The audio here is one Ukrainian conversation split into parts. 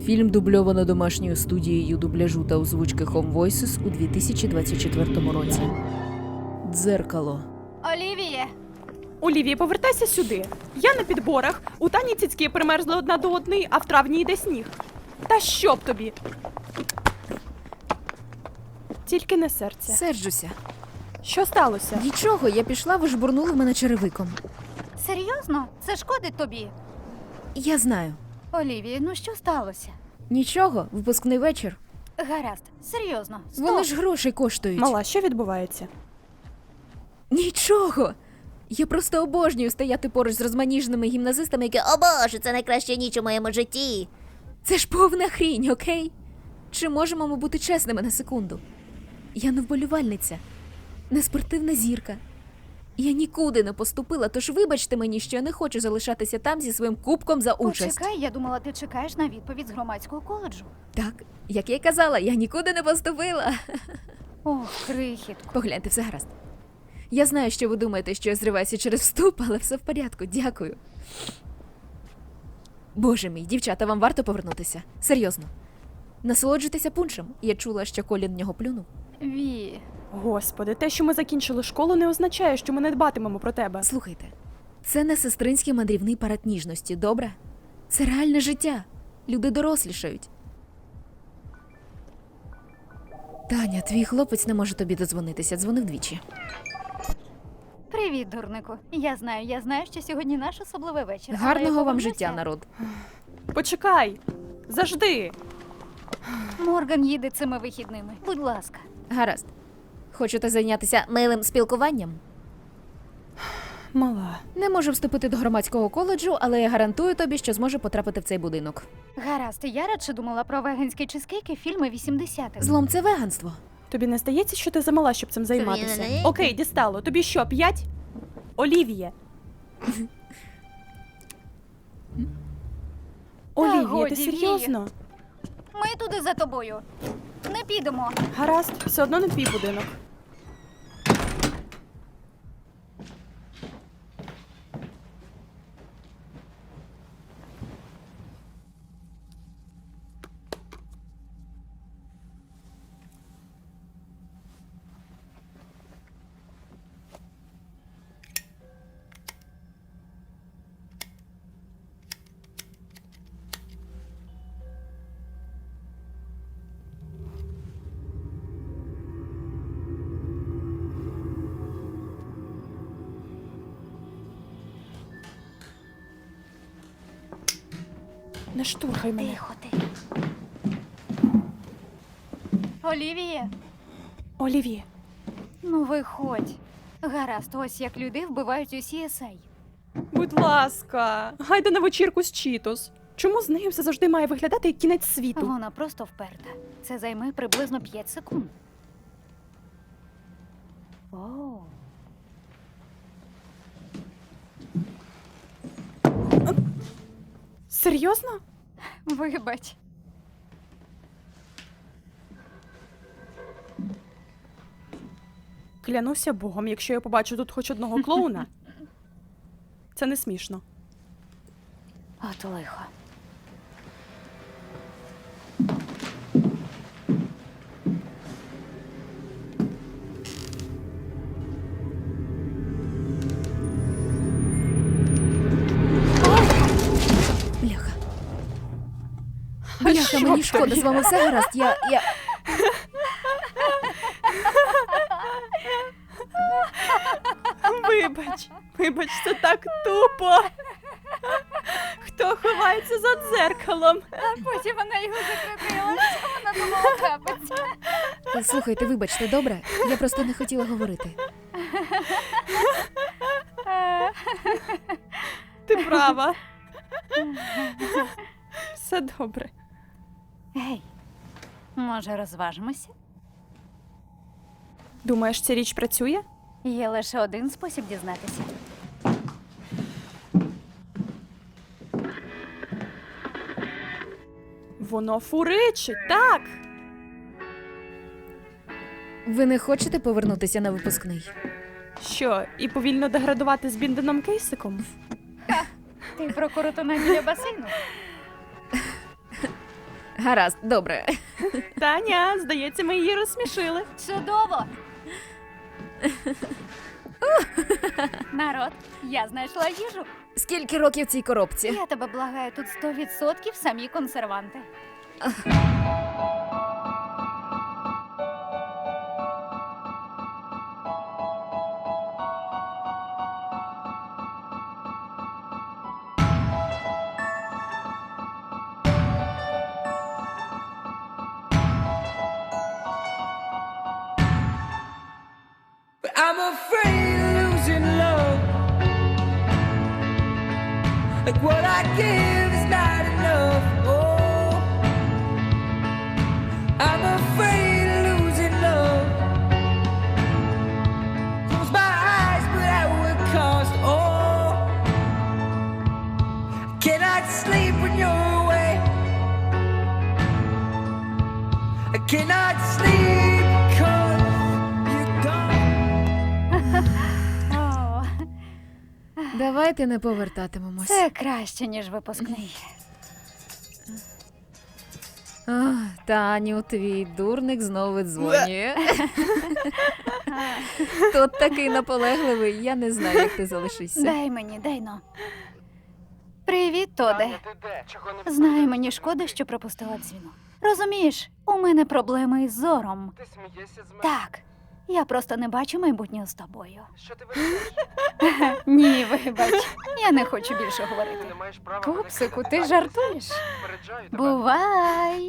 Фільм дубльовано домашньою студією дубляжу та озвучки Home Voices у 2024 році. Дзеркало. Олівіє! Олівія, повертайся сюди. Я на підборах. У Тані цицьки примерзли одна до одної, а в травні йде сніг. Та що б тобі? Тільки не серце. Серджуся. Що сталося? Нічого, я пішла, ви жбурнули мене черевиком. Серйозно? Це шкодить тобі? Я знаю. Олівіє, ну що сталося? Нічого, випускний вечір. Гаразд, серйозно. Стоп. Вони ж грошей коштують. Мала, що відбувається? Нічого. Я просто обожнюю стояти поруч з розманіженими гімназистами, які «О боже, це найкраща ніч у моєму житті». Це ж повна хрінь, окей? Чи можемо ми бути чесними на секунду? Я не вболівальниця, не спортивна зірка. Я нікуди не поступила, тож вибачте мені, що я не хочу залишатися там зі своїм кубком за участь. Почекай, я думала, ти чекаєш на відповідь з громадського коледжу. Так, як я й казала, я нікуди не поступила. Ох, крихітко. Погляньте, все гаразд. Я знаю, що ви думаєте, що я зриваюся через вступ, але все в порядку, дякую. Боже мій, дівчата, вам варто повернутися. Серйозно. Насолоджуйтеся пуншем. Я чула, що Колін в нього плюнув. Ві. Господи, те, що ми закінчили школу, не означає, що ми не дбатимемо про тебе. Слухайте, це не сестринський мандрівний парад ніжності, добре? Це реальне життя. Люди дорослішають. Таня, твій хлопець не може тобі дозвонитися. Дзвонив двічі. Привіт, дурнику. Я знаю, що сьогодні наш особливий вечір. але я Гарного вам повернуся. життя, народ. Почекай! Завжди! Морган їде цими вихідними. Будь ласка. Гаразд. Хочете зайнятися милим спілкуванням? Мала. Не можу вступити до громадського коледжу, але я гарантую тобі, що зможу потрапити в цей будинок. Гаразд, я радше думала про веганські чизкейки фільми 80-х. Злом – це веганство. Тобі не здається, що ти замала, щоб цим займатися? не- Окей, дістало. Тобі що, 5? Олівіє. Олівіє, годі, ти серйозно? Ми туди за тобою. Не підемо. Гаразд, все одно не твій будинок. Не штурхай мене. Тихо, ти. Олівіє, Олівіє. ну виходь. Гаразд, ось як люди вбивають у CSI. Будь ласка, гайда на вечірку з Чітос. Чому з нею все завжди має виглядати як кінець світу? Вона просто вперта. Це займе приблизно 5 секунд. Оу. Серйозно? Вибач. Клянуся Богом, якщо я побачу тут хоч одного клоуна, це не смішно. От лихо. Бляха. Бляха, що мені в шкода, тобі? з вами все гаразд. Я... Вибач, це так тупо. Хто ховається за дзеркалом? Потім вона його закрутила. Що вона думала трапиться? Слухайте, вибачте, добре? Я просто не хотіла говорити. Ти права. Все добре. Гей, може розважимося? Думаєш, ця річ працює? Є лише один спосіб дізнатися. Воно фуричить, так. Ви не хочете повернутися на випускний? Що, і повільно деградувати з Бінденом Кейсиком? Ти про коротуна біля басейну? Гаразд, добре. Таня, здається, ми її розсмішили. Чудово! Народ, я знайшла їжу. Скільки років цій коробці? Я тебе благаю, тут 100% самі консерванти. But I'm afraid of losing love. Like what I give is not enough. Oh, I'm afraid of losing love. Close my eyes, but at what cost? Oh, I cannot sleep when you're away. I cannot sleep 'cause you're gone. О, Давайте не повертатимемось. це краще, ніж випускний. Таню, твій дурник знову дзвонює. Тот такий наполегливий, я не знаю, як ти залишишся. Дай мені, дай но. Привіт, Тоде. Знаю, мені шкода, що пропустила дзвінок. Розумієш, у мене проблеми із зором. Ти смієшся з мене? Так, я просто не бачу майбутнього з тобою. Що ти вирішуєш? Ні, вибач, я не хочу більше Ти говорити. не маєш права мене Пупсику, кидати. ти жартуєш? Попереджаю тебе. Бувай!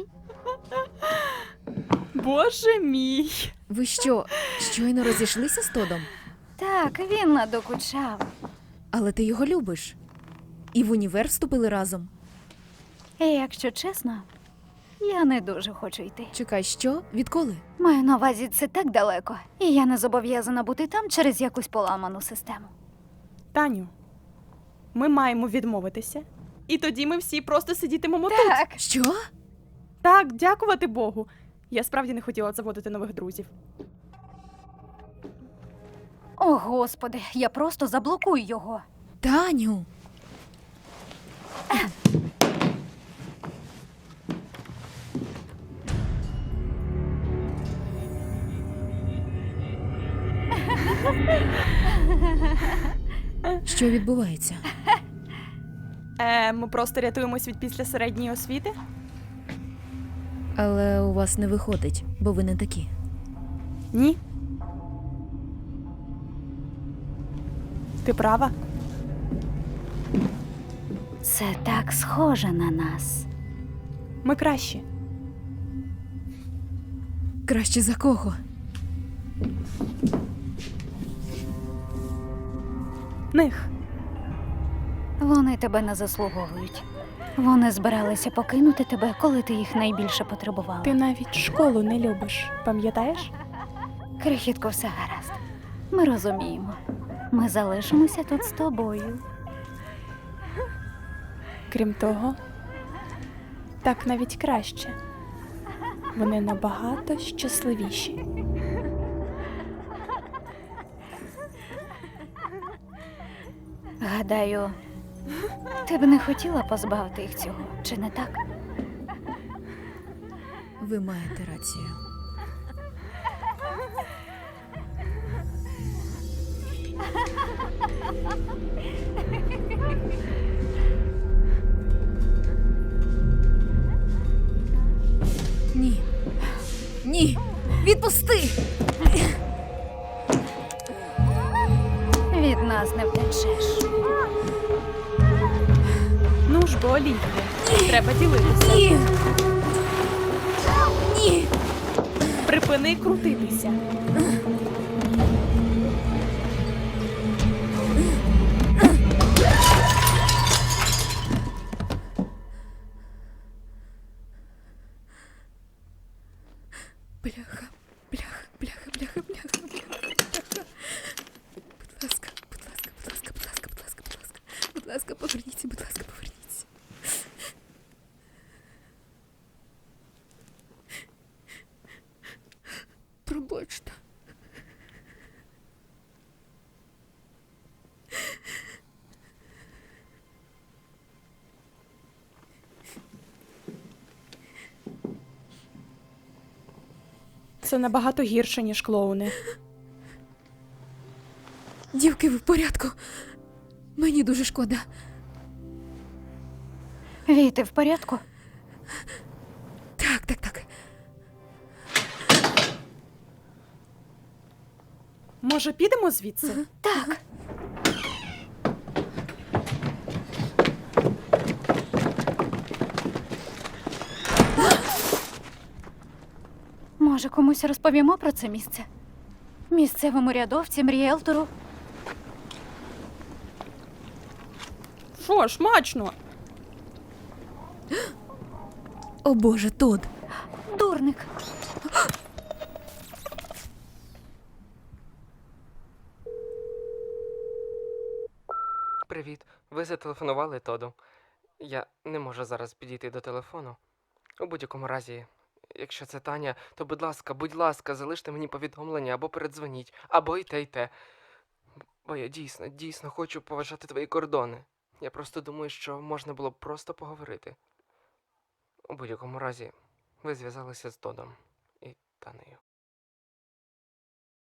Боже мій. Ви що, щойно розійшлися з Тодом? Так, він надокучав. Але ти його любиш. І в універ вступили разом. І якщо чесно, я не дуже хочу йти. Чекай, що? Відколи? Маю на увазі, це так далеко, і я не зобов'язана бути там через якусь поламану систему. Таню, ми маємо відмовитися. І тоді ми всі просто сидітимемо тут. Так, Що? Так, дякувати Богу. Я справді не хотіла заводити нових друзів. о господи, я просто заблокую його. Таню! Що відбувається? Ми просто рятуємось від після середньої освіти. Але у вас не виходить, бо ви не такі. Ні. Ти права. Це так схоже на нас. Ми кращі. Краще за кого? Них. Вони тебе не заслуговують. Вони збиралися покинути тебе, коли ти їх найбільше потребувала. Ти навіть школу не любиш, пам'ятаєш? Крихітко, все гаразд. Ми розуміємо. Ми залишимося тут з тобою. Крім того, так навіть краще. Вони набагато щасливіші. Гадаю, ти б не хотіла позбавити їх цього, чи не так? Ви маєте рацію. Ні. Ні. Відпусти! Від нас не втечеш. Ну ж бо, Олівія, треба ділитися. Ні. Ні. Припини крутитися. Бляха, бляха, бляха, бляха, бляха, бляха. Будь ласка, будь ласка, будь ласка, будь ласка, будь ласка, будь ласка. Будь ласка, поверніться, будь ласка, поверніться. Пробачте. Це набагато гірше, ніж клоуни. Дівки, ви в порядку? Мені дуже шкода. Вій, ти в порядку? Так, так, так. Може, підемо звідси? Так. Може, комусь розповімо про це місце? Місцевому рядовцям, ріелтору? Що, смачно? О боже, Тод. Дурник. Привіт. Ви зателефонували Тоду. Я не можу зараз підійти до телефону. У будь-якому разі, якщо це Таня, то будь ласка, залиште мені повідомлення або передзвоніть, або і те, і те. Бо я дійсно хочу поважати твої кордони. Я просто думаю, що можна було б просто поговорити. У будь-якому разі, ви зв'язалися з Тодом і Танею.